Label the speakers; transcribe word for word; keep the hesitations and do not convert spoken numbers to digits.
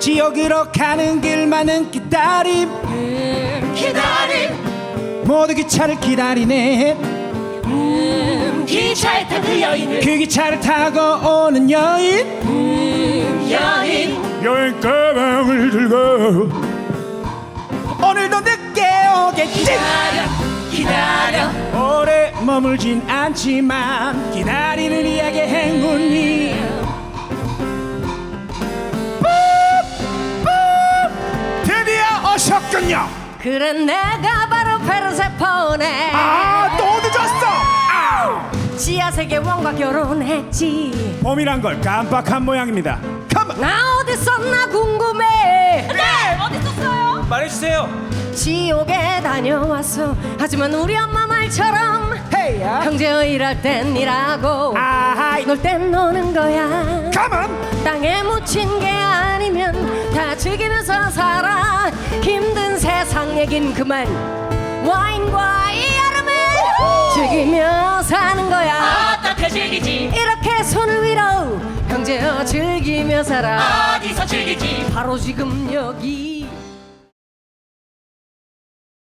Speaker 1: 지옥으로 가는 길만은 기다림
Speaker 2: 음, 기다림
Speaker 1: 모두 기차를 기다리네.
Speaker 2: 음, 기차에 탄 그 여인을
Speaker 1: 그 기차를 타고 오는 여인
Speaker 2: 음, 여인
Speaker 1: 여행 가방을 들고 오늘도 늦게 오겠지.
Speaker 2: 기다려 기다려
Speaker 1: 오래 머물진 않지만 기다리는 이야기의 행운이 드디어 오셨군요.
Speaker 2: 그래 내가 바로 페르세포네.
Speaker 1: 아, 또 늦었어. 아우.
Speaker 2: 지하세계 왕과 결혼했지.
Speaker 1: 봄이란 걸 깜빡한 모양입니다. 컴온.
Speaker 2: 나 어디 있었나 궁금해. 네 어디 있었어요?
Speaker 1: 말해주세요.
Speaker 2: 지옥에 다녀왔어. 하지만 우리 엄마 말처럼
Speaker 1: 헤이야.
Speaker 2: 형제 일할 땐 일하고
Speaker 1: 아하이.
Speaker 2: 놀 땐 노는 거야.
Speaker 1: 컴온.
Speaker 2: 땅에 묻힌 게 아니면 다 즐기면서 살아. 힘든 세상 얘긴 그만. 와인과 이 여름을 즐기며 사는 거야.
Speaker 3: 어떻게 즐기지?
Speaker 2: 이렇게 손을 위로 형제여 즐기며 살아.
Speaker 3: 어디서 즐기지?
Speaker 2: 바로 지금 여기.